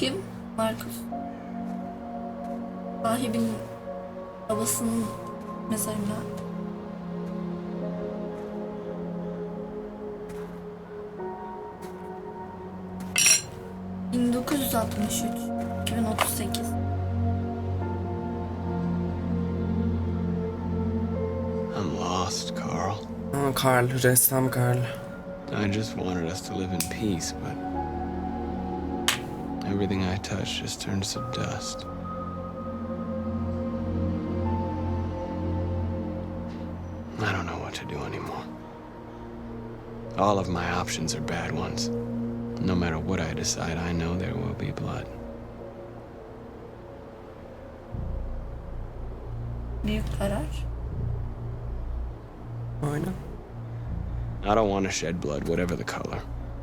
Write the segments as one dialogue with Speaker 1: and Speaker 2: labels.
Speaker 1: kim? Markus. Sahibin babasının mezarına. ...1963, 2038.
Speaker 2: I'm lost, Carl.
Speaker 3: Aa, Carl, ressam Carl.
Speaker 2: I just wanted us to live in peace, but everything I touch just turns to dust. I don't know what to do anymore. All of my options are bad ones. No matter what I decide, I know there will be blood.
Speaker 1: Büyük karar.
Speaker 3: Aynen.
Speaker 2: I don't want to shed blood, whatever the color.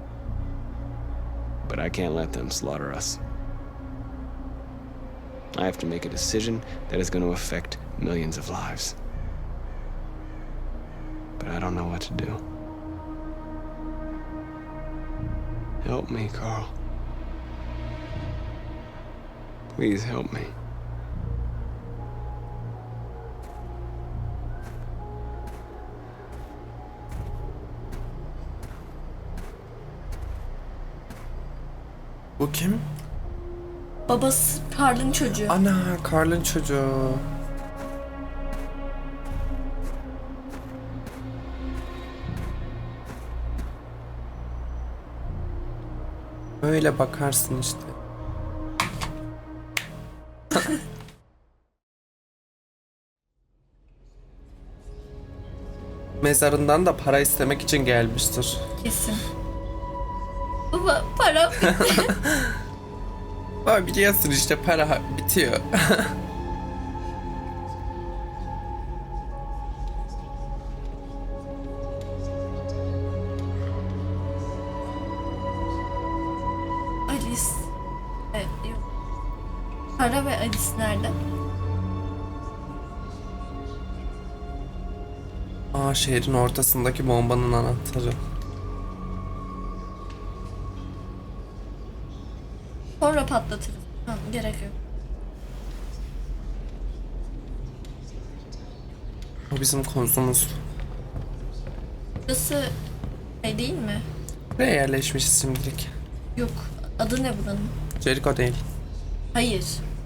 Speaker 2: But I can't let them slaughter us. I have to make a decision that is going to affect millions of lives. But I don't know what to do. Help me, Carl. Please help me.
Speaker 3: Bu kim?
Speaker 1: Babası Carl'ın çocuğu.
Speaker 3: Ana, Carl'ın çocuğu. Öyle bakarsın işte. Mezarından da para istemek için gelmiştir.
Speaker 1: Kesin. Baba para bitti.
Speaker 3: Ama biliyorsun işte para bitiyor.
Speaker 1: Alice. Evet, yok. Para ve Alice nerede?
Speaker 3: Aa, şehrin ortasındaki bombanın anahtarı.
Speaker 1: Sonra patlatırız. Ha, gerek yok.
Speaker 3: O bizim konumuz.
Speaker 1: Burası şey değil mi?
Speaker 3: Buraya yerleşmişiz şimdilik.
Speaker 1: Yok. Adı ne buranın?
Speaker 3: Jericho değil.
Speaker 1: Hayır.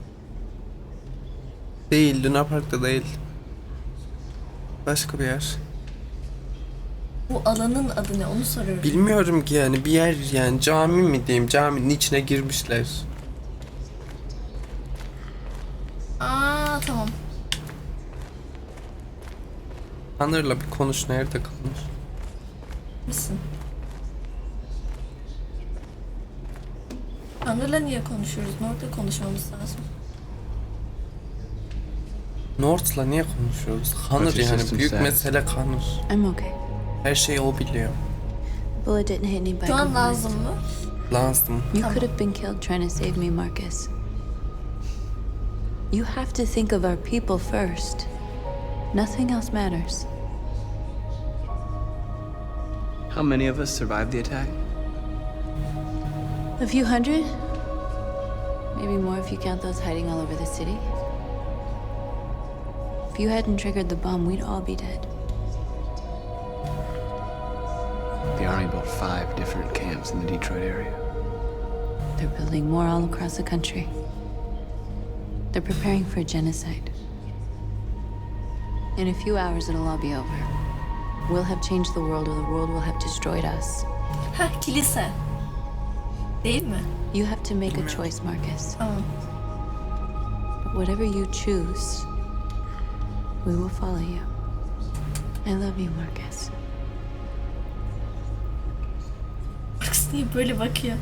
Speaker 3: Değil, Luna Park'ta değil. Başka bir yer.
Speaker 1: Bu alanın adı ne? Onu soruyorum.
Speaker 3: Bilmiyorum ki yani bir yer, yani cami mi diyeyim, caminin içine girmişler.
Speaker 1: Aa tamam.
Speaker 3: Tanrı'la bir konuş, nerede kalmış?
Speaker 1: Misin? Tanrı'la niye konuşuyoruz? Nerede konuşmamız lazım?
Speaker 3: North'la niye konuşuyoruz? Connor yani, büyük mesele Connor.
Speaker 4: I'm okay.
Speaker 3: Her şeyi o biliyor.
Speaker 4: Bullet didn't hit anybody.
Speaker 1: Şu an lazım mı?
Speaker 3: Lazım.
Speaker 4: You could have been killed trying to save me, Marcus. You have to think of our people first. Nothing else matters.
Speaker 2: How many of us survived the attack?
Speaker 4: A few hundred? Maybe more if you count those hiding all over the city. If you hadn't triggered the bomb, we'd all be dead.
Speaker 2: The Army built 5 different camps in the Detroit area.
Speaker 4: They're building more all across the country. They're preparing for a genocide. In a few hours, it'll all be over. We'll have changed the world, or the world will have destroyed us.
Speaker 1: Heh, kilise. Değil mi?
Speaker 4: You have to make a choice, Marcus.
Speaker 1: Tamam.
Speaker 4: But whatever you choose, we will follow you. I love you, Marcus.
Speaker 1: Marcus niye böyle bakıyor?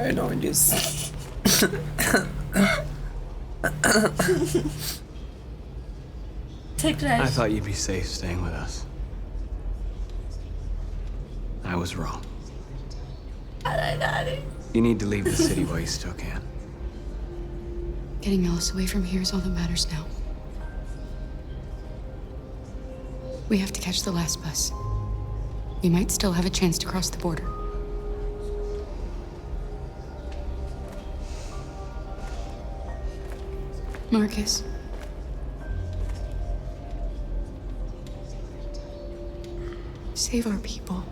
Speaker 3: Öyle oynuyorsun.
Speaker 1: Tekrar.
Speaker 2: I thought you'd be safe staying with us. I was wrong. You need to leave the city while you still can.
Speaker 4: Getting Alice away from here is all that matters now. We have to catch the last bus. We might still have a chance to cross the border. Marcus. Save our people.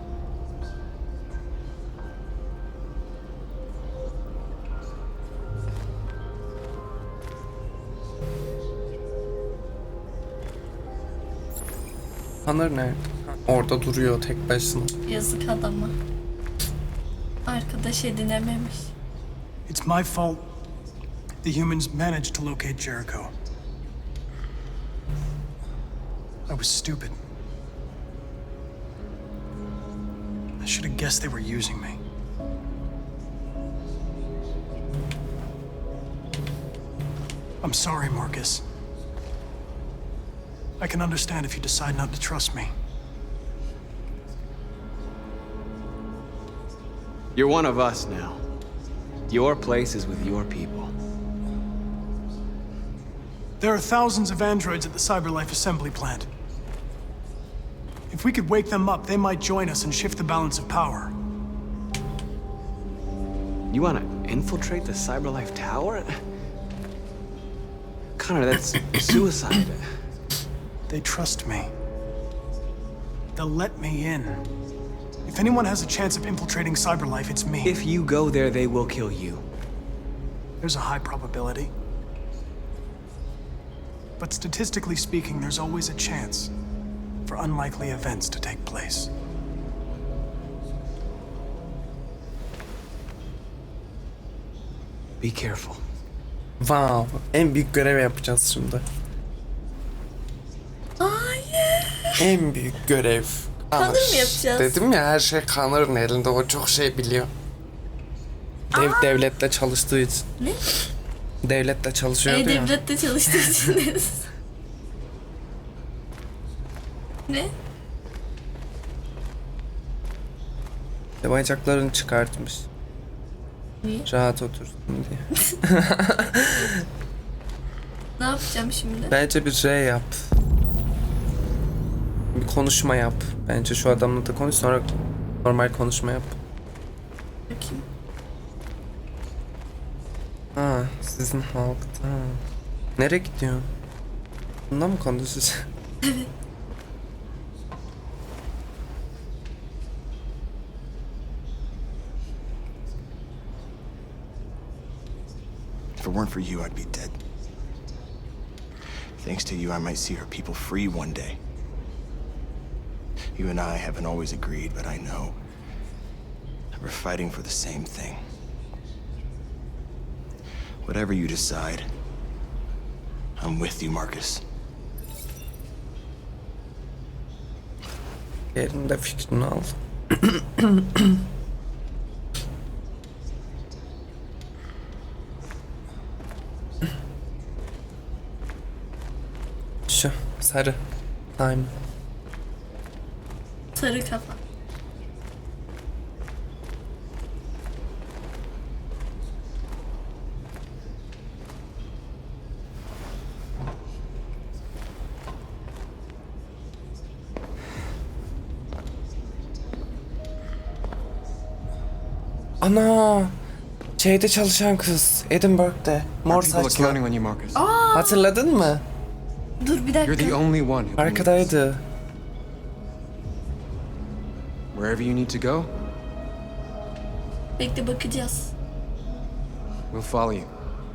Speaker 3: Connor nerede? Orada duruyor tek başına.
Speaker 1: Yazık adama. Arkadaş edinememiş.
Speaker 5: It's my fault the humans managed to locate Jericho. I was stupid. I should have guessed they were using me. I'm sorry, Marcus. I can understand if you decide not to trust me.
Speaker 2: You're one of us now. Your place is with your people.
Speaker 5: There are thousands of androids at the CyberLife assembly plant. If we could wake them up, they might join us and shift the balance of power.
Speaker 2: You want to infiltrate the CyberLife tower? Connor, that's suicide.
Speaker 5: They trust me. They'll let me in. If anyone has a chance of infiltrating CyberLife, it's me.
Speaker 2: If you go there, they will kill you.
Speaker 5: There's a high probability. But statistically speaking, there's always a chance for unlikely events to take place.
Speaker 2: Be careful.
Speaker 3: Wow, en büyük görev yapacağız şimdi.
Speaker 1: Hayır.
Speaker 3: En büyük görev.
Speaker 1: Connor mı yapacağız?
Speaker 3: Dedim ya, her şey Connor'ın elinde, o çok şey biliyor. Devletle çalıştığı için.
Speaker 1: Ne?
Speaker 3: Devletle çalışıyordu ya.
Speaker 1: Devlette çalıştığı için deriz. Ne?
Speaker 3: Bacaklarını çıkartmış.
Speaker 1: Niye?
Speaker 3: Rahat otursun diye.
Speaker 1: Ne yapacağım şimdi?
Speaker 3: Bence bir şey yap. Bir konuşma yap. Bence şu adamla da konuş, sonra normal konuşma yap.
Speaker 1: Bakayım.
Speaker 3: Ha, sizin halkta. Nereye gidiyorsun? Bundan mı konuşacağız?
Speaker 1: Evet.
Speaker 6: If it weren't for you, I'd be dead. Thanks to you, I might see our people free one day. You and I haven't always agreed, but I know that we're fighting for the same thing. Whatever you decide, I'm with you, Marcus.
Speaker 3: Yerinde fikrini al. Şu sarı. Time.
Speaker 1: Sarı kafa.
Speaker 3: Ana! Şeyde çalışan kız. Edinburgh'de. Mor
Speaker 2: People are
Speaker 3: saçlı.
Speaker 2: counting on you, Marcus.
Speaker 3: Hatırladın mı?
Speaker 1: Dur bir
Speaker 2: You're the
Speaker 1: dakika.
Speaker 2: only one who can
Speaker 3: Arkadaydı.
Speaker 2: Wherever you need to go,
Speaker 1: Bekle bakacağız.
Speaker 2: we'll follow you.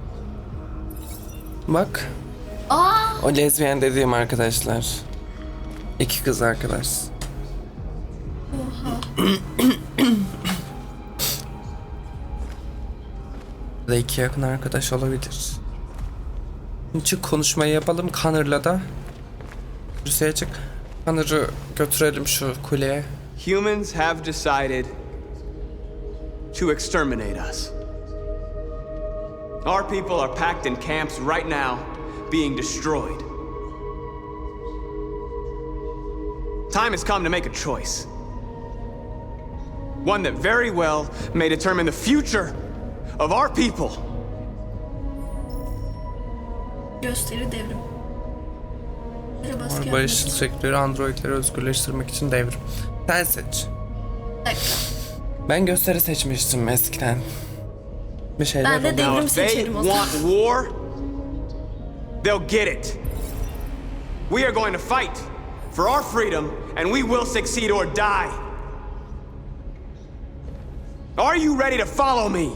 Speaker 3: Bak.
Speaker 1: Aa!
Speaker 3: O lezbiyen dediğim arkadaşlar. İki kız arkadaş.
Speaker 1: Oha.
Speaker 3: Ya da iki yakın arkadaş olabilir. Çık konuşmayı yapalım Connor'la da. Rusya'ya çık. Connor'ı götürelim şu kuleye.
Speaker 2: Humans have decided to exterminate us. Our people are packed in camps right now, being destroyed. Time has come to make a choice. One that very well may determine the future of our people.
Speaker 1: Gösteri devrim. Böyle baskı
Speaker 3: Barışçıl
Speaker 1: yapmak.
Speaker 3: sektörü androidleri özgürleştirmek için devrim. Sen seç.
Speaker 1: Bir dakika.
Speaker 3: Ben gösteri seçmiştim eskiden. Bir şeyler
Speaker 1: Ben de
Speaker 3: oldu.
Speaker 1: devrim
Speaker 2: Now, if they
Speaker 1: seçerim o zaman.
Speaker 2: want war, they'll get it. We are going to fight for our freedom, and we will succeed or die. Are you ready to follow me?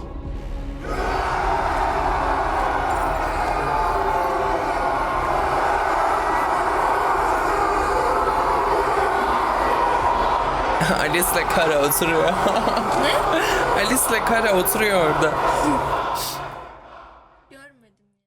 Speaker 3: Alice'le Kara oturuyor.
Speaker 1: Ne?
Speaker 3: Alice'le Kara oturuyor orada.